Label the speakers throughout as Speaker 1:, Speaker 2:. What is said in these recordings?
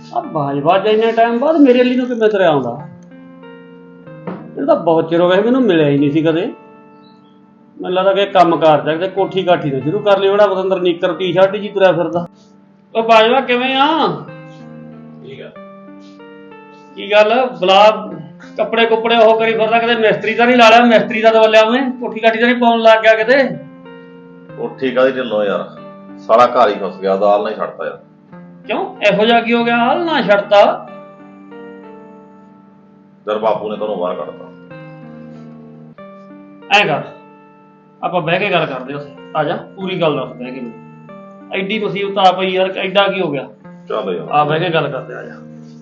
Speaker 1: ਆ ਬਾਜਵਾ ਇੰਨੇ ਟਾਈਮ ਬਾਅਦ ਮੇਰੇ ਲਈ ਨੂੰ ਕਿਵੇਂ ਤੁਰਿਆ ਆਉਂਦਾ। ਇਹ ਤਾਂ ਬਹੁਤ ਚਿਰ ਹੋ ਗਿਆ ਮੈਨੂੰ ਮਿਲਿਆ ਹੀ ਨਹੀਂ ਸੀ ਕਦੇ। ਮੈਨੂੰ ਲੱਗਦਾ ਕਿ ਕੰਮ ਕਾਰ ਜਾ ਕੇ ਕੋਠੀ ਕਾਠੀ ਤੋਂ ਸ਼ੁਰੂ ਕਰ ਲਈ। ਬੜਾ ਬਤੰਦਰ ਨੀਕਰ ਟੀ-ਸ਼ਰਟ ਜੀ ਤੁਰਿਆ ਫਿਰਦਾ। ਉਹ ਬਾਜਵਾ ਕਿਵੇਂ ਆ?
Speaker 2: ਠੀਕ ਆ।
Speaker 1: ਕੀ ਗੱਲ ਬਲਾ ਕੱਪੜੇ ਕੁੱਪੜੇ ਉਹ ਕਰੀ ਫਿਰਦਾ, ਕਿਤੇ ਮਿਸਤਰੀ ਤਾਂ ਨਹੀਂ ਲਾ ਲਿਆ? ਮਿਸਤਰੀ ਦਾ ਦਵਲਿਆ ਉਹਨੇ ਕੋਠੀ ਕਾਠੀ ਤਾਂ ਨਹੀਂ ਪਾਉਣ ਲੱਗ ਗਿਆ ਕਿਤੇ?
Speaker 2: ਕੋਠੀ ਕਾਹਦੀ ਢਿੱਲੋਂ ਯਾਰ, ਸਾਰਾ ਘਰ ਹੀ ਫਸ ਗਿਆ, ਦਾਲ ਨਹੀਂ ਛੱਡਦਾ ਯਾਰ।
Speaker 1: ਕਿਉਂ ਇਹੋ ਜਿਹਾ ਕੀ ਹੋ ਗਿਆ? ਹਾਲ ਨਾ ਛੱਡਤਾ।
Speaker 2: ਦਰ ਬਾਪੂ ਨੇ ਤੁਹਾਨੂੰ ਬਾਹਰ ਕੱਢਤਾ।
Speaker 1: ਐਂ ਕਰ, ਆਪਾਂ ਬਹਿ ਕੇ ਗੱਲ ਕਰਦੇ ਹਾਂ। ਆ ਜਾ, ਪੂਰੀ ਗੱਲ ਦੱਸ ਬਹਿ ਕੇ ਮੈਨੂੰ। ਐਡੀ ਮੁਸੀਬਤ ਆ ਪਈ ਯਾਰ, ਐਡਾ ਕੀ ਹੋ ਗਿਆ?
Speaker 2: ਚੱਲ ਯਾਰ
Speaker 1: ਆ ਬਹਿ ਕੇ ਗੱਲ ਕਰਦੇ। ਆ ਜਾ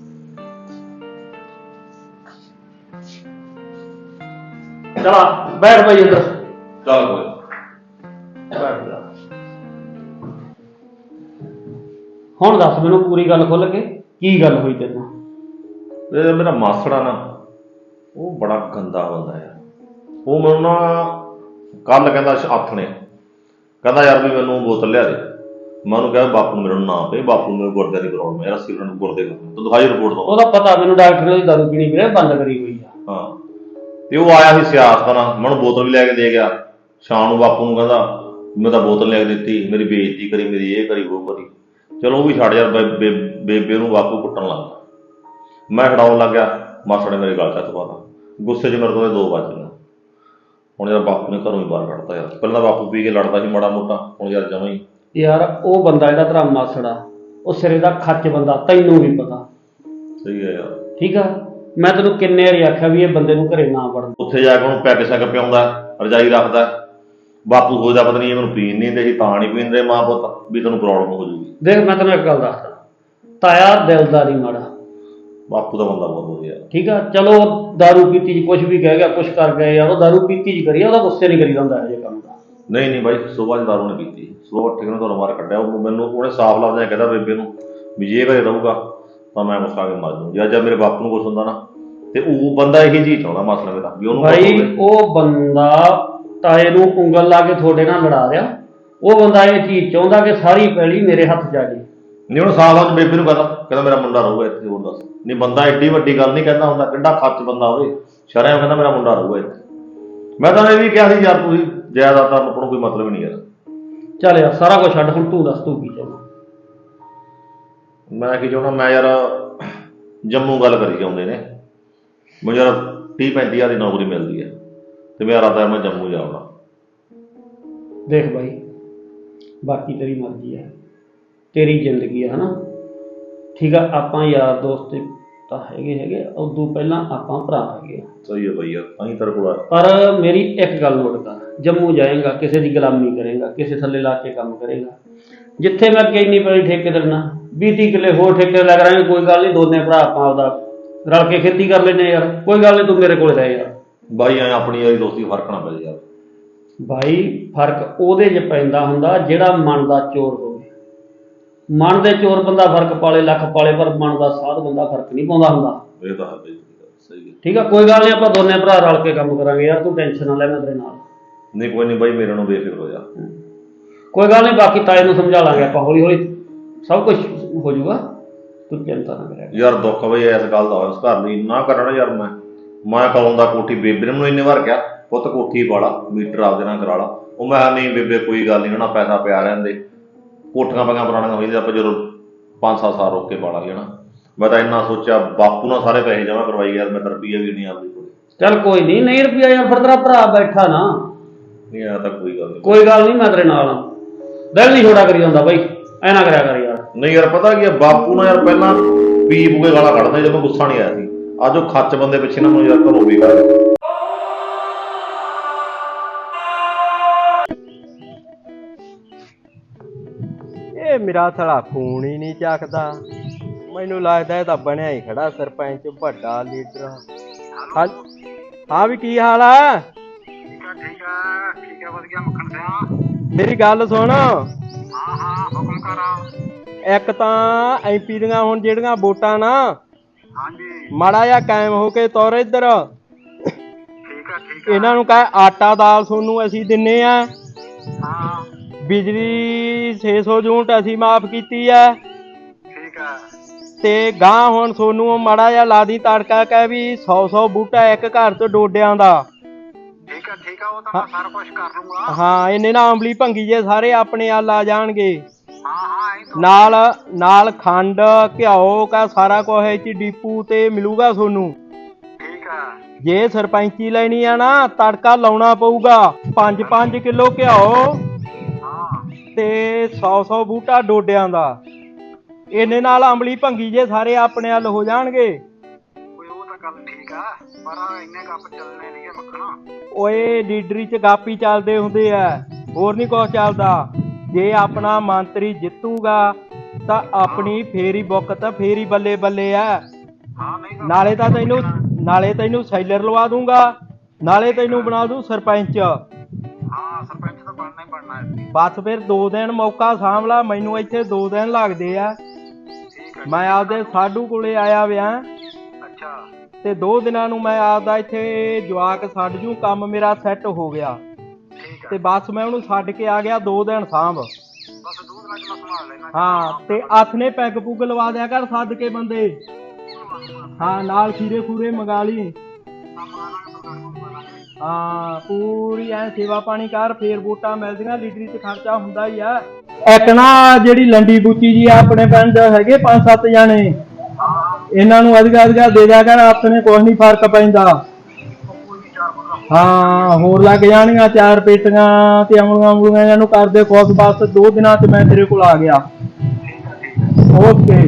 Speaker 1: ਚਲਾ ਬੈਠ ਭਾਈ ਅੰਦਰ।
Speaker 2: ਚੱਲ ਕੋਈ
Speaker 1: ਬੈਠ ਜਾ। ਹੁਣ ਦੱਸ ਮੈਨੂੰ ਪੂਰੀ ਗੱਲ ਖੁੱਲ ਕੇ, ਕੀ ਗੱਲ ਹੋਈ ਤੈਨੂੰ?
Speaker 2: ਇਹ ਮੇਰਾ ਮਾਸੜਾ ਨਾ, ਉਹ ਬੜਾ ਗੰਦਾ ਬੰਦਾ ਯਾਰ। ਉਹ ਮੈਨੂੰ ਨਾ ਕੱਲ ਕਹਿੰਦਾ ਆਥਣੇ, ਕਹਿੰਦਾ ਯਾਰ ਵੀ ਮੈਨੂੰ ਬੋਤਲ ਲਿਆ ਦੇ। ਮੈਂ ਉਹਨੂੰ ਕਿਹਾ ਬਾਪੂ ਨੂੰ ਮੇਰੇ ਨੂੰ ਨਾ ਪਏ, ਬਾਪੂ ਨੂੰ ਮੇਰੇ ਗੁਰਦੇ ਦੀ ਪ੍ਰੋਬਲਮ ਹੈ, ਅਸੀਂ ਉਹਨਾਂ ਨੂੰ ਗੁਰਦੇ ਕਰਨਾ, ਤੂੰ ਦਿਖਾਈ ਰਿਪੋਰਟ ਦੋ।
Speaker 1: ਉਹਦਾ ਪਤਾ ਮੈਨੂੰ, ਡਾਕਟਰ ਨੇ ਦਾਰੂ ਪੀਣੀ ਵੀਰੇ ਬੰਦ ਕਰੀ ਹੋਈ ਆ।
Speaker 2: ਹਾਂ, ਤੇ ਉਹ ਆਇਆ ਸੀ ਸਿਆਸਤ ਨਾਲ, ਮੈਨੂੰ ਬੋਤਲ ਵੀ ਲੈ ਕੇ ਦੇ ਗਿਆ। ਸ਼ਾਮ ਨੂੰ ਬਾਪੂ ਨੂੰ ਕਹਿੰਦਾ ਮੈਂ ਤਾਂ ਬੋਤਲ ਲੈ ਕੇ ਦਿੱਤੀ, ਮੇਰੀ ਬੇਇੱਜ਼ਤੀ ਕਰੀ, ਮੇਰੀ ਇਹ ਕਰੀ ਉਹ ਕਰੀ। ਚਲੋ ਉਹ ਵੀ ਛੱਡ ਯਾਰ, ਬੇਬੇ ਨੂੰ ਬਾਪੂ ਕੁੱਟਣ ਲੱਗ ਗਿਆ। ਮੈਂ ਛਡਾਉਣ ਲੱਗ ਗਿਆ, ਮਾਸੜ ਨੇ ਮੇਰੇ ਗਲ 'ਚ ਹੱਥ ਪਾਤਾ। ਗੁੱਸੇ 'ਚ ਮੇਰੇ ਕੋਲ 2 ਵੱਜ ਗਏ। ਹੁਣ ਯਾਰ ਬਾਪੂ ਨੇ ਘਰੋਂ ਹੀ ਬਾਹਰ ਕੱਢਤਾ ਯਾਰ। ਪਹਿਲਾਂ ਬਾਪੂ ਪੀ ਕੇ ਲੜਦਾ ਸੀ ਮਾੜਾ ਮੋਟਾ, ਹੁਣ ਯਾਰ ਜਮਾਂ ਹੀ।
Speaker 1: ਯਾਰ ਉਹ ਬੰਦਾ ਜਿਹੜਾ ਤੇਰਾ ਮਾਸੜਾ, ਉਹ ਸਿਰੇ ਦਾ ਖੱਚ ਬੰਦਾ, ਤੈਨੂੰ ਵੀ ਪਤਾ।
Speaker 2: ਸਹੀ ਹੈ ਯਾਰ।
Speaker 1: ਠੀਕ ਆ, ਮੈਂ ਤੈਨੂੰ ਕਿੰਨੇ ਵਾਰੀ ਆਖਿਆ ਵੀ ਇਹ ਬੰਦੇ ਨੂੰ ਘਰੇ ਨਾ ਵੜਨ।
Speaker 2: ਉੱਥੇ ਜਾ ਕੇ ਉਹਨੂੰ ਪੈਗ ਸ਼ੈਗ ਪਿਆਉਂਦਾ, ਰਜਾਈ ਰੱਖਦਾ। ਬਾਪੂ ਸੋਚਦਾ ਪਤਾ ਨਹੀਂ ਇਹ ਮੈਨੂੰ ਪੀਣ ਨਹੀਂ ਦਿੰਦੇ ਸੀ, ਤਾਂ ਨਹੀਂ ਪੀਂਦੇ ਮਾਂ ਪੁੱਤ, ਵੀ ਤੈਨੂੰ ਪ੍ਰੋਬਲਮ ਹੋ ਜੂਗੀ।
Speaker 1: ਦੇਖ ਮੈਂ ਤੈਨੂੰ ਇੱਕ ਗੱਲ ਦੱਸਦਾ, ਤਾਇਆ ਦਿਲਦਾਰੀ ਮਾੜਾ,
Speaker 2: ਬਾਪੂ ਦਾ ਬੰਦਾ ਬਹੁਤ ਵਧੀਆ।
Speaker 1: ਠੀਕ ਆ। ਚਲੋ ਦਾਰੂ ਪੀਤੀ ਜੀ ਕੁਛ ਵੀ ਕਹਿ ਗਿਆ, ਕੁਛ ਕਰ ਗਿਆ ਯਾਰ, ਉਹ ਦਾਰੂ ਪੀਤੀ ਜੀ ਕਰੀ, ਉਹਦਾ ਗੁੱਸੇ ਨਹੀਂ ਕਰੀਦਾ ਹੁੰਦਾ ਇਹੋ ਜਿਹੇ ਕੰਮ ਦਾ।
Speaker 2: ਨਹੀਂ ਬਾਈ, ਸੁਬਾਹ ਦਾਰੂ ਨੇ ਪੀਤੀ, ਸੁਬਾਹ ਉੱਠ ਕੇ ਉਹਨੇ ਤੁਹਾਨੂੰ ਬਾਹਰ ਕੱਢਿਆ। ਉਹ ਮੈਨੂੰ ਉਹਨੇ ਸਾਫ਼ ਲਫ਼ਜ਼ਾਂ 'ਚ ਕਹਿੰਦਾ ਬੇਬੇ ਨੂੰ ਵੀ ਜੇ ਘਰੇ ਰਹੂਗਾ ਤਾਂ ਮੈਂ ਕੁਛ ਖਾ ਕੇ ਮਰ ਜਾਊਂ। ਜਾਂ ਮੇਰੇ ਬਾਪੂ ਨੂੰ ਕੁਛ ਹੁੰਦਾ ਨਾ, ਤੇ ਉਹ ਬੰਦਾ ਇਹੀ ਚੀਜ਼ ਚਾਹੁੰਦਾ ਮਸਲਾ ਮੇਰਾ ਵੀ ਉਹਨੂੰ।
Speaker 1: ਭਾਈ ਉਹ ਬੰਦਾ ਤਾਏ ਨੂੰ ਉਂਗਲ ਲਾ ਕੇ ਤੁਹਾਡੇ ਨਾਲ ਲੜਾ ਰਿਹਾ। ਉਹ ਬੰਦਾ ਇਹ ਚੀਜ਼ ਚਾਹੁੰਦਾ ਕਿ ਸਾਰੀ ਪੈਲੀ ਮੇਰੇ ਹੱਥ 'ਚ ਆ ਜਾਏ।
Speaker 2: ਨਹੀਂ ਹੁਣ ਸਾਫ਼ ਲਫ਼ਜ਼ ਬੇਬੇ ਨੂੰ ਕਹਿੰਦਾ ਮੇਰਾ ਮੁੰਡਾ ਰਹੂਗਾ ਇੱਥੇ। ਹੋਰ ਦੱਸ, ਨਹੀਂ ਬੰਦਾ ਐਡੀ ਵੱਡੀ ਗੱਲ ਨਹੀਂ ਕਹਿੰਦਾ ਹੁੰਦਾ, ਕਿੰਨਾ ਖੱਚ ਬੰਦਾ ਹੋਵੇ, ਸ਼ਰਮ ਕਹਿੰਦਾ ਮੇਰਾ ਮੁੰਡਾ ਰਹੂਗਾ ਇੱਥੇ। ਮੈਂ ਤਾਂ ਇਹ ਵੀ ਕਿਹਾ ਸੀ ਯਾਰ ਤੁਸੀਂ ਜਾਇਦਾਦ ਦਾ ਆਪਣਾ ਕੋਈ ਮਤਲਬ ਨਹੀਂ ਯਾਰ। ਚੱਲ
Speaker 1: ਯਾਰ ਸਾਰਾ ਕੁਝ ਛੱਡ, ਹੁਣ ਤੂੰ ਦੱਸ ਤੂੰ ਕੀ ਚਾਹੁੰਦਾ?
Speaker 2: ਮੈਂ ਕੀ ਚਾਹੁੰਦਾ, ਮੈਂ ਯਾਰ ਜੰਮੂ ਗੱਲ ਕਰੀ ਜਾਂਦੇ ਨੇ, ਮੈਨੂੰ ਯਾਰ 30-35 ਹਜ਼ਾਰ ਦੀ ਨੌਕਰੀ ਮਿਲਦੀ ਹੈ, ਤੇ ਮੇਰਾ ਇਰਾਦਾ ਮੈਂ ਜੰਮੂ ਜਾਵਾਂ।
Speaker 1: ਦੇਖ ਬਾਈ, ਬਾਕੀ ਤੇਰੀ ਮਰਜ਼ੀ ਹੈ, ਤੇਰੀ ਜ਼ਿੰਦਗੀ ਹੈ ਹਨਾ। ਠੀਕ ਆ, ਆਪਾਂ ਯਾਰ ਦੋਸਤ ਤਾਂ ਹੈਗੇ, ਉਦੋਂ ਪਹਿਲਾਂ ਆਪਾਂ ਭਰਾ ਹੈਗੇ।
Speaker 2: ਸਹੀ ਹੈ ਬਾਈ ਯਾਰ, ਅਸੀਂ ਤੇਰੇ ਕੋਲ ਆਏ।
Speaker 1: ਪਰ ਮੇਰੀ ਇੱਕ ਗੱਲ ਨੋਟ ਕਰ, ਜੰਮੂ ਜਾਏਗਾ, ਕਿਸੇ ਦੀ ਗੁਲਾਮੀ ਕਰੇਗਾ, ਕਿਸੇ ਥੱਲੇ ਲਾ ਕੇ ਕੰਮ ਕਰੇਗਾ। ਜਿੱਥੇ ਮੈਂ ਅੱਗੇ ਇੰਨੀ ਪੈਲੀ ਠੇਕੇ ਦੇਣਾ, 20-30 ਕਿੱਲੇ ਹੋਰ ਠੇਕੇ ਲੈ ਕਰਾਂਗੇ, ਕੋਈ ਗੱਲ ਨਹੀਂ, ਦੋਨੇ ਭਰਾ ਆਪਾਂ ਆਪਦਾ ਰਲ ਕੇ ਖੇਤੀ ਕਰ ਲੈਂਦੇ ਯਾਰ, ਕੋਈ ਗੱਲ ਨਹੀਂ, ਤੂੰ ਮੇਰੇ ਕੋਲ ਰਹਿ ਯਾਰ।
Speaker 2: ਬਾਈ ਐ ਆਪਣੀ ਯਾਰੀ ਦੋਸਤੀ ਫਰਕ ਨਾ ਪੈ ਯਾਰ।
Speaker 1: ਬਾਈ ਫਰਕ ਉਹਦੇ 'ਚ ਪੈਂਦਾ ਹੁੰਦਾ ਜਿਹੜਾ ਮਨ ਦਾ ਚੋਰ ਹੋਵੇ। ਮਨ ਦੇ ਚੋਰ ਬੰਦਾ ਫਰਕ ਪਾਲੇ, ਲੱਖ ਪਾਲੇ, ਪਰ ਮਨ ਦਾ ਸਾਧ ਬੰਦਾ ਫਰਕ ਨਹੀਂ ਪਾਉਂਦਾ ਹੁੰਦਾ।
Speaker 2: ਇਹ ਤਾਂ ਹੈ ਸਹੀ ਹੈ।
Speaker 1: ਠੀਕ ਆ, ਕੋਈ ਗੱਲ ਨਹੀਂ, ਆਪਾਂ ਦੋਨੇ ਭਰਾ ਰਲ ਕੇ ਕੰਮ ਕਰਾਂਗੇ ਯਾਰ, ਤੂੰ ਟੈਨਸ਼ਨ ਨਾ ਲੈ, ਮੈਂ ਤੇਰੇ ਨਾਲ।
Speaker 2: ਨਹੀਂ ਕੋਈ ਨਹੀਂ ਬਾਈ, ਮੇਰੇ ਨੂੰ ਬੇਫਿਕਰ ਹੋ ਜਾ।
Speaker 1: ਕੋਈ ਗੱਲ ਨਹੀਂ, ਬਾਕੀ ਤਾਏ ਨੂੰ ਸਮਝਾ ਲਾਂਗੇ ਆਪਾਂ, ਹੌਲੀ ਹੌਲੀ ਸਭ ਕੁਝ ਹੋ ਜਾਊਗਾ, ਤੂੰ ਚਿੰਤਾ ਨਾ ਕਰਿਆ
Speaker 2: ਯਾਰ। ਦੁੱਖ ਬਈ ਇਸ ਗੱਲ ਦਾ ਉਸ ਘਰ ਲਈ ਨਾ ਕਰਨਾ ਯਾਰ। ਮੈਂ ਕਦੋਂ ਦਾ ਕੋਠੀ ਬੇਬੇ ਨੇ ਮੈਨੂੰ ਇੰਨੇ ਵਾਰ ਕਿਹਾ ਪੁੱਤ ਕੋਠੀ ਵਾਲਾ ਮੀਟਰ ਆਪਦੇ ਨਾਲ ਕਰਾ ਲਾ। ਉਹ ਮੈਂ ਕਿਹਾ ਨਹੀਂ ਬੇਬੇ ਕੋਈ ਗੱਲ ਨਹੀਂ, ਨਾ ਪੈਸਾ ਪਿਆ ਰਹਿੰਦੇ, ਕੋਠੀਆਂ ਪਈਆਂ ਪੁਰਾਣੀਆਂ ਹੋ ਜਾਂਦੀਆਂ, ਆਪਾਂ ਜਦੋਂ 5-7 ਸਾਲ ਰੋਕ ਕੇ ਪਾ ਲਾਂਗੇ ਨਾ। ਮੈਂ ਤਾਂ ਇੰਨਾ ਸੋਚਿਆ, ਬਾਪੂ ਨਾਲ ਸਾਰੇ ਪੈਸੇ ਜਮ੍ਹਾਂ ਕਰਵਾਈ ਯਾਰ, ਮੈਂ ਤਾਂ ਰੁਪਈਆ ਵੀ ਨਹੀਂ ਆਪਦੀ ਕੋਲ।
Speaker 1: ਚੱਲ ਕੋਈ ਨਹੀਂ, ਨਹੀਂ ਰੁਪਈਆ ਯਾਰ, ਫਿਰ ਤੇਰਾ ਭਰਾ ਬੈਠਾ ਨਾ।
Speaker 2: ਨਹੀਂ ਆ ਤਾਂ ਕੋਈ ਗੱਲ ਨਹੀਂ,
Speaker 1: ਕੋਈ ਗੱਲ ਨਹੀਂ, ਮੈਂ ਤੇਰੇ ਨਾਲ ਆ। ਦਿਲ ਨਹੀਂ ਛੋੜਾ ਕਰੀ ਜਾਂਦਾ ਬਾਈ, ਐ ਨਾ ਕਰਿਆ ਕਰ ਯਾਰ।
Speaker 2: ਨਹੀਂ ਯਾਰ ਪਤਾ ਕੀ ਆ, ਬਾਪੂ ਨਾਲ ਯਾਰ ਪਹਿਲਾਂ ਪੀ ਪੂ ਕੇ ਗਾਲਾਂ ਕੱਢਦਾ ਜਦੋਂ ਗੁੱਸਾ ਨਹੀਂ ਆਇਆ ਸੀ। ਅੱਜ ਉਹ ਖੱਚ ਬੰਦੇ ਪਿੱਛੇ ਨਾ ਮੈਨੂੰ ਯਾਰ ਘਰੋਂ ਵੀ ਕਰ।
Speaker 3: ਇਹ ਮੇਰਾ ਸਾਲਾ ਫੋਨ ਹੀ ਨਹੀਂ ਚੱਕਦਾ। ਮੈਨੂੰ ਲੱਗਦਾ ਇਹ ਤਾਂ ਬਣਿਆ ਹੀ ਖੜਾ ਸਰਪੰਚ, ਵੱਡਾ ਲੀਡਰ। ਹਾਂ ਵੀ ਕੀ ਹਾਲ ਆ?
Speaker 4: ਠੀਕ ਆ ਵਧੀਆ ਮੱਖਣ ਸਿਆ।
Speaker 3: ਮੇਰੀ ਗੱਲ ਸੁਣ।
Speaker 4: ਹਾਂ ਹੁਕਮ ਕਰ।
Speaker 3: ਇੱਕ ਤਾਂ ਐਮਪੀ ਦੀਆਂ ਹੁਣ ਜਿਹੜੀਆਂ ਵੋਟਾਂ ਨਾ,
Speaker 4: ਹਾਂਜੀ
Speaker 3: ਮਾੜਾ ਜਿਹਾ ਕਾਇਮ ਹੋ ਕੇ ਤੁਰ ਇੱਧਰ।
Speaker 4: ਠੀਕ ਆ
Speaker 3: ਇਹਨਾਂ ਨੂੰ ਕਹੇ ਆਟਾ ਦਾਲ ਤੁਹਾਨੂੰ ਅਸੀਂ ਦਿੰਨੇ ਆ,
Speaker 4: ਹਾਂ
Speaker 3: ਬਿਜਲੀ 600 ਯੂਨਿਟ ਅਸੀਂ ਮਾਫ ਕੀਤੀ ਆ,
Speaker 4: ਠੀਕ ਆ।
Speaker 3: ਤੇ ਗਾਂ ਹੁਣ ਸੋਨੂੰ ਮਾੜਾ ਜਿਹਾ ਲਾ ਦੀ ਤੜਕਾ ਕਹਿ ਵੀ 100 ਬੂਟਾ ਇੱਕ ਘਰ ਚ ਡੋਡਿਆਂ ਦਾ।
Speaker 4: ਠੀਕ ਆ ਉਹ ਤਾਂ ਮੈਂ ਸਾਰਾ ਕੁਝ ਕਰ ਲੂੰਗਾ।
Speaker 3: ਹਾਂ ਇਹਨੇ ਨਾ ਅੰਬਲੀ ਭੰਗੀ ਜੇ ਸਾਰੇ ਆਪਣੇ ਵੱਲ ਆ ਜਾਣਗੇ।
Speaker 4: ਹਾਂ ਐਂ ਤਾਂ
Speaker 3: ਨਾਲ ਨਾਲ ਖੰਡ ਘਿਓ ਕਾ ਸਾਰਾ ਕੁਝ ਇੱਥੇ ਡੀਪੂ ਤੇ ਮਿਲੂਗਾ ਤੁਹਾਨੂੰ।
Speaker 4: ਠੀਕ ਆ।
Speaker 3: ਜੇ ਸਰਪੰਚੀ ਲੈਣੀ ਆ ਨਾ ਤੜਕਾ ਲਾਉਣਾ ਪਊਗਾ 5 ਕਿਲੋ ਘਿਓ
Speaker 4: ਹਾਂ
Speaker 3: ਤੇ 100 ਬੂਟਾ ਡੋਡਿਆਂ ਦਾ। ਇਹਨੇ ਨਾਲ ਅੰਬਲੀ ਭੰਗੀ ਜੇ ਸਾਰੇ ਆਪਣੇ ਵੱਲ ਹੋ ਜਾਣਗੇ।
Speaker 4: ਕੋਈ ਉਹ ਤਾਂ ਗੱਲ ਠੀਕ ਆ ਪਰ ਇੰਨੇ ਕੱਪ ਚੱਲਣੇ ਨਹੀਂਗੇ ਮੱਖਣਾ।
Speaker 3: ਓਏ ਲੀਡਰੀ ਚ ਗਾਪੀ ਚੱਲਦੇ ਹੁੰਦੇ ਆ, ਹੋਰ ਨਹੀਂ ਕੁਛ ਚੱਲਦਾ। ਜੇ ਆਪਣਾ ਮੰਤਰੀ ਜਿੱਤੂਗਾ ਤਾਂ ਆਪਣੀ ਫੇਰੀ ਬੁੱਕ ਤਾਂ ਫੇਰੀ ਬੱਲੇ ਬੱਲੇ ਆ।
Speaker 4: ਹਾਂ ਨਹੀਂ ਤਾਂ
Speaker 3: ਨਾਲੇ ਤੈਨੂੰ ਸੈਲਰ ਲਵਾ ਦੂੰਗਾ, ਨਾਲੇ ਤੈਨੂੰ ਬਣਾ ਦੂੰ ਸਰਪੰਚ।
Speaker 4: ਹਾਂ ਸਰਪੰਚ ਤਾਂ ਬਣਨਾ ਹੀ ਬਣਨਾ ਹੈ।
Speaker 3: ਬਸ ਫਿਰ 2 ਦਿਨ ਮੌਕਾ ਸਾਂਭ ਲਾ, ਮੈਨੂੰ ਇੱਥੇ 2 ਦਿਨ ਲੱਗਦੇ ਆ।
Speaker 4: ਠੀਕ ਆ।
Speaker 3: ਮੈਂ ਆਪਦੇ ਸਾਡੂ ਕੋਲੇ ਆਇਆ ਵਿਆ
Speaker 4: ਅੱਛਾ
Speaker 3: ਤੇ 2 ਦਿਨਾਂ ਨੂੰ ਮੈਂ ਆਪਦਾ ਇੱਥੇ ਜਵਾਕ ਛੱਡ ਜੂ, ਕੰਮ ਮੇਰਾ ਸੈੱਟ ਹੋ ਗਿਆ
Speaker 4: ਠੀਕ ਆ।
Speaker 3: ਤੇ ਬਸ ਮੈਂ ਉਹਨੂੰ ਛੱਡ ਕੇ ਆ ਗਿਆ 2 ਦਿਨ ਸਾਂਭ।
Speaker 4: ਬਸ ਦੂਧ ਨਾਲ ਮੈਂ ਸੰਭਾਲ ਲੈਣਾ।
Speaker 3: ਹਾਂ ਤੇ ਹੱਥ ਨੇ ਪੈਗ ਪੁੱਗ ਲਵਾ ਦਿਆ ਕਰ ਸੱਦ ਕੇ ਬੰਦੇ। ਹਾਂ ਨਾਲ ਖੀਰੇ ਖੂਰੇ ਮੰਗਾ ਲਈ। ਹਾਂ ਪੂਰੀ ਐ ਸੇਵਾ ਪਾਣੀ ਕਰ, ਫੇਰ ਵੋਟਾਂ ਮਿਲਦੀਆਂ। ਲੀਡਰੀ ਚ ਖਰਚਾ ਹੁੰਦਾ ਹੀ ਆ। ਇੱਕ ਨਾ ਜਿਹੜੀ ਲੰਡੀ ਬੂਚੀ ਜੀ ਆਪਣੇ ਪਿੰਡ ਹੈਗੇ 5-7 ਜਾਣੇ, ਇਹਨਾਂ ਨੂੰ ਅਧਿਕਾ ਦੇ ਦਿਆ ਕਰ, ਆਪਣੇ ਕੁਛ ਨੀ ਫਰਕ ਪੈਂਦਾ। ਹਾਂ ਹੋਰ ਲੱਗ ਜਾਣੀਆਂ 4 ਪੇਟੀਆਂ ਤੇ ਅਮਲੀਆਂ ਇਹਨਾਂ ਨੂੰ ਕਰਦੇ ਖੁਸ਼। ਬਸ 2 ਦਿਨਾਂ ਚ ਮੈਂ ਤੇਰੇ ਕੋਲ ਆ ਗਿਆ। ਓਕੇ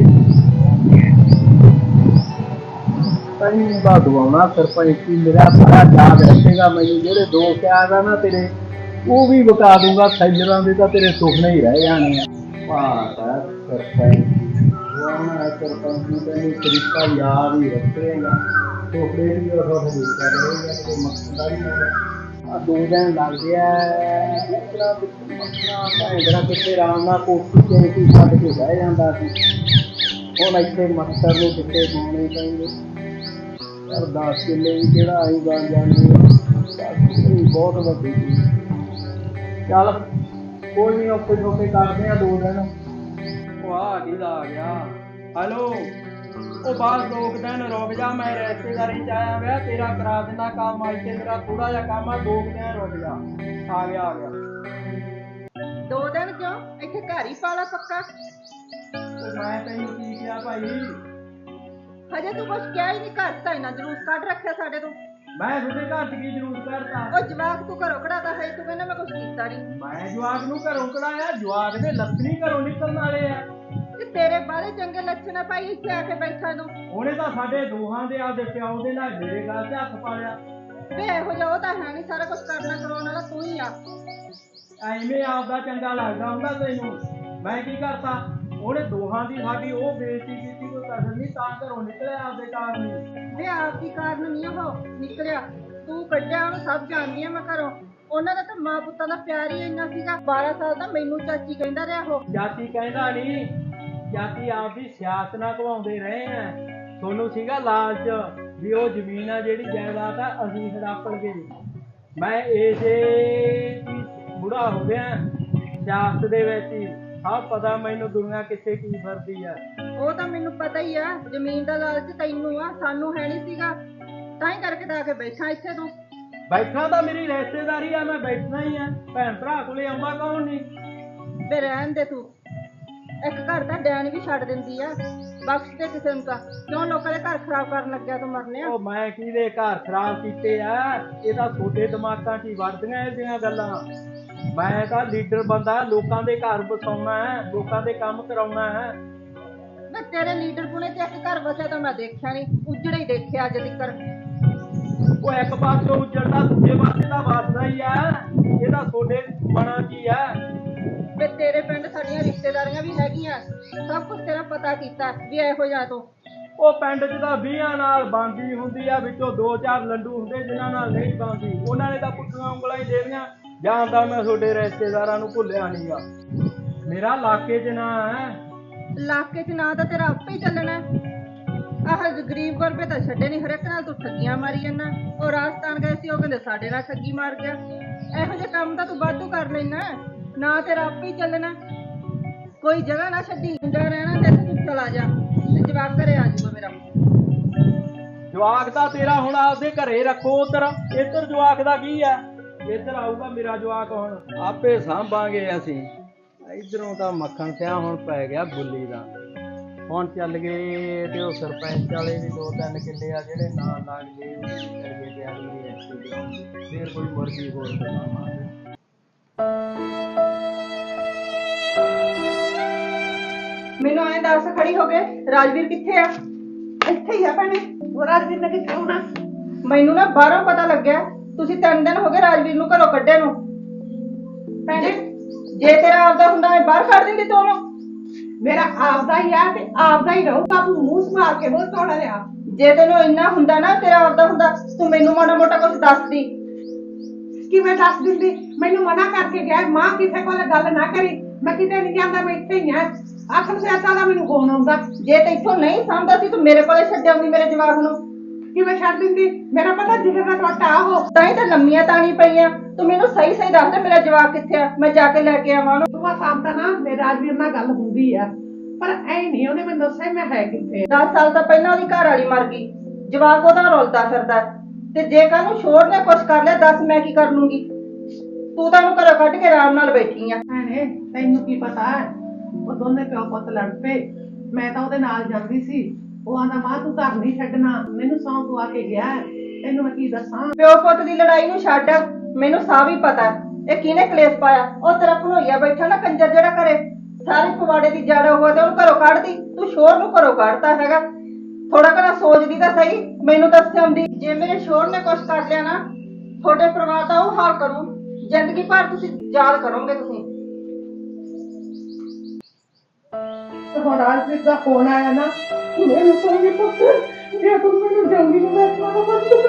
Speaker 3: ਦਵਾਉਣਾ ਸਰਪੰਚੀ ਮੇਰਾ ਸਾਰਾ ਯਾਦ ਰੱਖੇਗਾ ਮੈਨੂੰ। ਜਿਹੜੇ 2 ਪਿਆਰ ਨਾ ਤੇਰੇ ਉਹ ਵੀ ਬਤਾ ਦੂੰਗਾ। ਸੈਲਰਾਂ ਦੇ ਤਾਂ ਤੇਰੇ ਸੁਪਨੇ ਹੀ ਰਹਿ ਜਾਣੇ ਆ। ਸਰਪੰਚੀ ਤੈਨੂੰ ਤਰੀਕਾ ਯਾਦ ਹੀ ਰੱਖੇਗਾ। ਸੁਪਨੇ ਵੀ ਉਹ ਮਕਸਦ ਆ 2 ਦਿਨ ਲੱਗਦੇ ਆ। ਭੈਂਦਰਾ ਕਿੱਥੇ ਆਰਾਮ ਨਾਲ ਕੋਠੀ ਤੇ ਛੱਡ ਕੇ ਬਹਿ ਜਾਂਦਾ ਸੀ, ਹੁਣ ਇੱਥੇ ਮੱਛਰ ਨੂੰ ਕਿੱਥੇ ਪਾਉਣੇ ਪੈਂਦੇ। 10 ਕਿੱਲੇ ਵੀ ਕਿਹੜਾ ਅਸੀਂ ਬਣ ਜਾਂਦੇ ਬਹੁਤ ਵੱਡੀ ਚੀਜ਼। ਚੱਲ ਕੋਈ ਨਹੀਂ ਔਖੇ ਸੌਖੇ ਕਰਦੇ ਆ 2 ਦਿਨ। ਉਹ ਆ ਗਿਆ। ਹੈਲੋ ਉਹ ਬਾਅਦ 2 ਦਿਨ ਰੁਕ ਜਾ, ਮੈਂ ਰਿਸ਼ਤੇਦਾਰੀ ਚ ਆਇਆ ਵਿਆ, ਤੇਰਾ ਕਰਾ ਦਿੰਦਾ ਕੰਮ। ਅੱਜ ਤੇ ਮੇਰਾ ਥੋੜਾ ਜਿਹਾ ਕੰਮ ਆ, 2 ਦਿਨ ਰੁਕ ਜਾ। ਆ ਗਿਆ
Speaker 5: 2 ਦਿਨ ਕਿਉਂ? ਇੱਥੇ ਘਰ ਹੀ ਪਾਲਾ ਪੱਕਾ।
Speaker 3: ਉਹ ਮੈਂ ਤੈਨੂੰ ਕੀ ਕਿਹਾ ਭਾਈ?
Speaker 5: ਹਜੇ ਤੂੰ ਕੁਛ ਕਿਹਾ ਹੀ ਨਹੀਂ। ਘਰ ਤਾਂ ਇੰਨਾ ਜਲੂਸ ਕੱਢ ਰੱਖਿਆ ਸਾਡੇ ਤੋਂ।
Speaker 3: ਮੈਂ ਤੁਹਾਡੇ ਘਰ ਚ ਕੀ ਜ਼ਰੂਰ ਕਰਤਾ?
Speaker 5: ਉਹ ਜਵਾਕ ਤੂੰ ਘਰੋਂ ਕਢਾਤਾ ਹੈ, ਤੂੰ ਕਹਿੰਦਾ ਮੈਂ ਕੁਛ ਕੀਤਾ ਨਹੀਂ।
Speaker 3: ਮੈਂ ਜਵਾਕ ਨੂੰ ਘਰੋਂ ਕਢਾਇਆ? ਜਵਾਕ ਦੇ ਲੱਛਣੀ ਘਰੋਂ ਨਿਕਲਣ ਵਾਲੇ ਆ।
Speaker 5: ਤੇ ਤੇਰੇ ਬਾਰੇ ਚੰਗੇ ਲੱਛਣ ਆ ਭਾਈ ਇੱਥੇ ਆ ਕੇ ਬੈਠਾ ਨੂੰ।
Speaker 3: ਉਹਨੇ ਤਾਂ ਸਾਡੇ ਦੋਹਾਂ ਦੇ ਆਪਦੇ ਪਿਓ ਦੇ ਨਾਲ ਮੇਰੇ ਗੱਲ ਤੇ ਹੱਥ ਪਾ ਲਿਆ।
Speaker 5: ਵੇ ਇਹੋ ਜਿਹਾ ਉਹ ਤਾਂ ਹੈ ਨਹੀਂ, ਸਾਰਾ ਕੁਛ ਕਰਨਾ ਕਰਾਉਣ ਵਾਲਾ ਤੂੰ ਹੀ ਆ।
Speaker 3: ਐਵੇਂ ਆਪਦਾ ਚੰਗਾ ਲੱਗਦਾ ਹੁੰਦਾ ਤੈਨੂੰ? ਮੈਂ ਕੀ ਕਰਤਾ? ਉਹਨੇ ਦੋਹਾਂ ਦੀ ਸਾਡੀ ਉਹ ਬੇਇੱਜ਼ਤੀ ਕੀਤੀ, ਕੋਈ ਕਦਰ ਨਹੀਂ, ਤਾਂ ਘਰੋਂ ਨਿਕਲਿਆ ਆਪਦੇ ਕਾਰਨ ਹੀ।
Speaker 5: ਵੇ ਆਪ ਦੀ ਕਾਰਨ ਨਹੀਂ ਉਹ ਨਿਕਲਿਆ, ਤੂੰ ਕੱਢਿਆ ਉਹਨੂੰ। ਸਭ ਜਾਣਦੀ ਆ ਮੈਂ ਘਰੋਂ। ਉਹਨਾਂ ਦਾ ਤਾਂ ਮਾਂ ਪੁੱਤਾਂ ਦਾ ਪਿਆਰ ਹੀ ਇੰਨਾ ਸੀਗਾ। 12 ਸਾਲ ਦਾ ਮੈਨੂੰ ਚਾਚੀ ਕਹਿੰਦਾ ਰਿਹਾ ਉਹ।
Speaker 3: ਜਾਤੀ ਕਹਿੰਦਾ ਨਹੀਂ, ਜਾਤੀ ਆਪਦੀ ਸਿਆਸਤ ਨਾਲ ਘਵਾਉਂਦੇ ਰਹੇ ਆ। ਤੁਹਾਨੂੰ ਸੀਗਾ ਲਾਲਚ ਵੀ ਉਹ ਜ਼ਮੀਨ ਆ ਜਿਹੜੀ ਜਾਇਦਾਦ ਆ ਅਸੀਂ ਹੜਪ ਲਗੇ। ਮੈਂ ਇਸੇ ਬੁੜਾ ਹੋ ਗਿਆ ਸਿਆਸਤ ਦੇ ਵਿੱਚ ਹੀ। ਸਭ ਪਤਾ ਮੈਨੂੰ ਦੁਨੀਆ ਕਿੱਥੇ ਕੀ ਫਿਰਦੀ ਆ।
Speaker 5: ਉਹ ਤਾਂ ਮੈਨੂੰ ਪਤਾ ਹੀ ਆ। ਜ਼ਮੀਨ ਦਾ ਲਾਲਚ ਤੈਨੂੰ ਆ, ਸਾਨੂੰ ਹੈ ਨਹੀਂ ਸੀਗਾ, ਤਾਂ ਹੀ ਕਰਕੇ ਤਾਂ ਆ ਕੇ ਬੈਠਾ ਇੱਥੇ ਤੂੰ।
Speaker 3: ਬੈਠਾ ਤਾਂ ਮੇਰੀ ਰਿਸ਼ਤੇਦਾਰੀ ਆ, ਮੈਂ ਬੈਠਣਾ ਹੀ ਆ। ਭੈਣ ਭਰਾ ਕੋਲੇ ਆਉਂਦਾ ਕੌਣ ਨਹੀਂ।
Speaker 5: ਵੇ ਰਹਿਣ ਦੇ ਤੂੰ। ਇੱਕ ਘਰ ਦਾ ਡੈਣ ਵੀ ਛੱਡ ਦਿੰਦੀ ਆ, ਬਖਸ਼ ਦੇ ਕਿਸੇ ਨੂੰ ਤਾਂ। ਕਿਉਂ ਲੋਕਾਂ ਦੇ ਘਰ ਖਰਾਬ ਕਰਨ ਲੱਗਿਆ ਤੂੰ? ਮਰਨੇ ਆ।
Speaker 3: ਉਹ ਮੈਂ ਕਿਹਦੇ ਘਰ ਖਰਾਬ ਕੀਤੇ ਆ? ਇਹ ਤਾਂ ਤੁਹਾਡੇ ਦਿਮਾਗਾਂ 'ਚ ਹੀ ਵੜਦੀਆਂ ਇਹਦੀਆਂ ਗੱਲਾਂ। ਮੈਂ ਤਾਂ ਲੀਡਰ ਬੰਦਾ, ਲੋਕਾਂ ਦੇ ਘਰ ਵਸਾਉਣਾ ਹੈ, ਲੋਕਾਂ ਦੇ ਕੰਮ ਕਰਾਉਣਾ ਹੈ।
Speaker 5: ਮੈਂ ਤੇਰੇ ਲੀਡਰ ਪੁਣੇ ਤੇ ਇੱਕ ਘਰ ਵਸਿਆ ਤਾਂ ਮੈਂ ਦੇਖਿਆ ਨਹੀਂ, ਉਜੜੇ ਹੀ ਦੇਖਿਆ ਅੱਜ ਤੱਕ।
Speaker 3: ਉਹ ਇੱਕ ਪਾਸੋਂ ਉਜੜਦਾ, ਦੂਜੇ ਪਾਸੇ ਤਾਂ ਵਸਦਾ ਹੀ ਆ। ਇਹਦਾ ਤੁਹਾਡੇ ਬਣਾ ਕੀ ਆ?
Speaker 5: ਵੇ ਤੇਰੇ ਪਿੰਡ ਸਾਡੀਆਂ ਰਿਸ਼ਤੇਦਾਰੀਆਂ ਵੀ ਹੈਗੀਆਂ, ਸਭ ਕੁਝ ਤੇਰਾ ਪਤਾ ਕੀਤਾ ਵੀ ਇਹੋ ਜਿਹਾ ਤੂੰ।
Speaker 3: ਉਹ ਪਿੰਡ 'ਚ ਤਾਂ 20 ਨਾਲ ਬਣਦੀ ਹੁੰਦੀ ਆ, ਵਿੱਚੋਂ 2-4 ਲੰਡੂ ਹੁੰਦੇ ਜਿਨ੍ਹਾਂ ਨਾਲ ਨਹੀਂ ਬਣਦੀ। ਉਹਨਾਂ ਨੇ ਤਾਂ ਪੁੱਠੀਆਂ ਉਂਗਲਾਂ ਹੀ ਦੇਣੀਆਂ। ਜਾਣਦਾ ਮੈਂ ਤੁਹਾਡੇ ਰਿਸ਼ਤੇਦਾਰਾਂ ਨੂੰ ਭੁੱਲਿਆ ਨਹੀਂਗਾ। ਮੇਰਾ ਇਲਾਕੇ 'ਚ ਨਾ ਹੈ।
Speaker 5: ਇਲਾਕੇ 'ਚ ਨਾ ਤਾਂ ਤੇਰਾ ਆਪੇ ਹੀ ਚੱਲਣਾ। ਆਹ ਗਰੀਬ ਗੁਰਬੇ ਤਾਂ ਛੱਡੇ ਨਹੀਂ, ਹਰੇਕ ਨਾਲ ਤੂੰ ਠੱਗੀਆਂ ਮਾਰੀ ਜਾਂਦਾ। ਉਹ ਰਾਜਸਥਾਨ ਗਏ ਸੀ, ਉਹ ਕਹਿੰਦੇ ਸਾਡੇ ਨਾਲ ਠੱਗੀ ਮਾਰ ਗਿਆ। ਇਹੋ ਜਿਹੇ ਕੰਮ ਤਾਂ ਤੂੰ ਵਾਧੂ ਕਰ ਲੈਣਾ, ਨਾ ਤੇਰਾ ਆਪੇ ਹੀ ਚੱਲਣਾ। ਕੋਈ ਜਗ੍ਹਾ ਨਾ ਛੱਡੀ, ਰਹਿਣਾ ਤੇ ਤੂੰ ਚਲਾ ਜਾ। ਤੇ ਜਵਾਕ ਘਰੇ ਆ ਜਾਊਗਾ ਮੇਰਾ।
Speaker 3: ਜਵਾਕ ਤਾਂ ਤੇਰਾ ਹੁਣ ਆਪਦੇ ਘਰੇ ਰੱਖੋ ਉਧਰ, ਇੱਧਰ ਜਵਾਕ ਦਾ ਕੀ ਆ? ਇੱਧਰ ਆਊਗਾ ਮੇਰਾ ਜਵਾਕ, ਹੁਣ ਆਪੇ ਸਾਂਭਾਂਗੇ ਅਸੀਂ। ਇਧਰੋਂ ਤਾਂ ਮੱਖਣ ਸਿਆ ਹੁਣ ਪੈ ਗਿਆ ਬੁੱਲੀ ਦਾ। ਹੁਣ ਚੱਲ ਗਏ ਤੇ ਉਹ ਸਰਪੰਚ ਵਾਲੇ ਵੀ 2-3 ਕਿੱਲੇ ਆ ਜਿਹੜੇ ਨਾ ਲੱਗ ਗਏ, ਕਰੀਏ ਤਿਆਰੀ ਦੀ ਐਕਟੀ ਗਰਾਉਂਡ ਦੀ, ਫੇਰ ਕੋਈ ਮੁਰਗੀ ਹੋਰ ਬਣਾਵਾਂਗੇ।
Speaker 5: ਮੈਨੂੰ ਐਂ ਦੱਸ, ਖੜੀ ਹੋ ਗਏ, ਰਾਜਵੀਰ ਕਿੱਥੇ ਆ?
Speaker 6: ਇੱਥੇ ਹੀ ਆ ਭੈਣੇ। ਉਹ ਰਾਜਵੀਰ ਨੇ ਕਿੱਥੇ ਹੋਣਾ?
Speaker 5: ਮੈਨੂੰ ਨਾ ਬਾਹਰੋਂ ਪਤਾ ਲੱਗਿਆ ਤੁਸੀਂ 3 ਦਿਨ ਹੋ ਗਏ ਰਾਜਵੀਰ ਨੂੰ ਘਰੋਂ ਕੱਢੇ ਨੂੰ।
Speaker 6: ਭੈਣੇ
Speaker 5: ਜੇ ਤੇਰਾ ਆਪਦਾ ਹੁੰਦਾ ਮੈਂ ਬਾਹਰ ਕੱਢ ਦਿੰਦੀ ਤੂੰ ਉਹਨੂੰ।
Speaker 6: ਮੇਰਾ ਆਪਦਾ ਹੀ ਆ ਤੇ ਆਪਦਾ ਹੀ ਰਹੂਗਾ। ਤੂੰ ਮੂੰਹ ਸੰਭਾਲ ਕੇ ਬੋਲ, ਥੋੜਾ ਜਿਹਾ।
Speaker 5: ਜੇ ਤੈਨੂੰ ਇੰਨਾ ਹੁੰਦਾ ਨਾ ਤੇਰਾ ਆਪਦਾ ਹੁੰਦਾ, ਤੂੰ ਮੈਨੂੰ ਮਾੜਾ ਮੋਟਾ ਕੁਝ ਦੱਸਦੀ।
Speaker 6: ਕਿਵੇਂ ਦੱਸ ਦਿੰਦੀ? ਮੈਨੂੰ ਮਨਾ ਕਰਕੇ ਗਿਆ, ਮਾਂ ਕਿਸੇ ਕੋਲ ਗੱਲ ਨਾ ਕਰੀ। ਮੈਂ ਕਿਤੇ ਨਹੀਂ ਜਾਂਦਾ, ਮੈਂ ਇੱਥੇ ਹੀ ਆ। ਆਖਰ ਸਿਆਤਾ ਦਾ ਮੈਨੂੰ ਫੋਨ ਆਉਂਦਾ।
Speaker 5: ਜੇ ਤੈਥੋਂ ਨਹੀਂ ਸਮਝਦਾ ਸੀ ਤੂੰ ਮੇਰੇ ਕੋਲੇ ਛੱਡ ਆਉਂਦੀ ਮੇਰੇ ਜਵਾਕ ਨੂੰ।
Speaker 6: ਕਿਵੇਂ ਛੱਡ ਦਿੰਦੀ? ਮੇਰਾ ਪਤਾ ਜਿਗਰ ਦਾ ਟੋਟਾ ਉਹ।
Speaker 5: ਤਾਂ ਹੀ ਤਾਂ ਲੰਮੀਆਂ ਤਾਣੀ ਪਈਆਂ। ਤੂੰ ਮੈਨੂੰ ਸਹੀ ਸਹੀ ਦੱਸ ਦੇ ਮੇਰਾ ਜਵਾਕ ਕਿੱਥੇ ਆ, ਮੈਂ ਜਾ ਕੇ ਲੈ ਕੇ ਆਵਾਂ ਉਹਨੂੰ।
Speaker 6: ਸੁਬਾ ਸ਼ਾਮ ਤਾਂ ਨਾ ਮੇਰੇ ਰਾਜਵੀਰ ਨਾਲ ਗੱਲ ਹੁੰਦੀ ਆ, ਪਰ ਐ ਨਹੀਂ ਉਹਨੇ ਮੈਨੂੰ ਦੱਸਿਆ ਮੈਂ ਹੈ ਕਿੱਥੇ।
Speaker 5: 10 ਸਾਲ ਤਾਂ ਪਹਿਲਾਂ ਉਹਦੀ ਘਰ ਵਾਲੀ ਮਰ ਗਈ, ਜਵਾਕ ਉਹਦਾ ਰੁਲਦਾ ਫਿਰਦਾ। ਤੇ ਜੇ ਕੱਲ ਨੂੰ ਛੋੜ ਨੇ ਕੁਛ ਕਰ ਲਿਆ, ਦੱਸ ਮੈਂ ਕੀ ਕਰ ਲੂੰਗੀ? ਤੂੰ ਤਾਂ ਉਹਨੂੰ ਘਰੋਂ ਕੱਢ ਕੇ ਆਰਾਮ ਨਾਲ ਬੈਠੀ ਆ।
Speaker 6: ਭੈਣੇ ਤੈਨੂੰ ਕੀ ਪਤਾ, ਉਹ ਦੋਨੇ ਪਿਓ ਪੁੱਤ ਲੜ ਪਏ। ਮੈਂ ਤਾਂ ਉਹਦੇ ਨਾਲ ਜਾਂਦੀ ਸੀ। ਉਹ ਆਂਦਾ ਮਾਂ ਤੂੰ ਘਰ ਨਹੀਂ ਛੱਡਣਾ, ਮੈਨੂੰ ਸੌਂ ਪਵਾ ਕੇ ਗਿਆ। ਤੈਨੂੰ ਮੈਂ ਕੀ ਦੱਸਾਂ?
Speaker 5: ਪਿਓ ਪੁੱਤ ਦੀ ਲੜਾਈ ਨੂੰ ਛੱਡ, ਮੈਨੂੰ ਸਾਹ ਵੀ ਪਤਾ ਇਹ ਕਿਹਨੇ ਕਲੇਸ਼ ਪਾਇਆ। ਉਹ ਤੇਰਾ ਭਣੋਈਆ ਬੈਠਾ ਨਾ ਕੰਜਰ ਜਿਹੜਾ ਘਰੇ, ਸਾਰੇ ਪਵਾੜੇ ਦੀ ਜੜ ਹੋਆ ਤੇ ਉਹਨੂੰ ਘਰੋਂ ਕੱਢਦੀ। ਤੂੰ ਸ਼ੋਰ ਨੂੰ ਘਰੋਂ ਕੱਢਤਾ ਹੈਗਾ। ਥੋੜਾ ਘਣਾ ਸੋਚਦੀ ਤਾਂ ਸਹੀ, ਮੈਨੂੰ ਦੱਸ ਆਉਂਦੀ। ਜੇ ਮੇਰੇ ਸ਼ੋਰ ਨੇ ਕੁਛ ਕਰ ਲਿਆ ਨਾ, ਤੁਹਾਡੇ ਪਰਿਵਾਰ ਦਾ ਉਹ ਹਾਲ ਕਰੂ, ਜ਼ਿੰਦਗੀ ਭਰ ਤੁਸੀਂ ਯਾਦ ਕਰੋਗੇ ਤੁਸੀਂ।
Speaker 6: ਹੁਣ ਰਾਜਵੀਰ ਦਾ ਫੋਨ ਆਇਆ ਨਾ, ਮੈਨੂੰ ਕਹਿੰਦੀ ਪੁੱਤ ਜੇ ਤੂੰ ਮੈਨੂੰ ਜਲਦੀ ਨੂੰ ਵੇਖਣਾ ਤਾਂ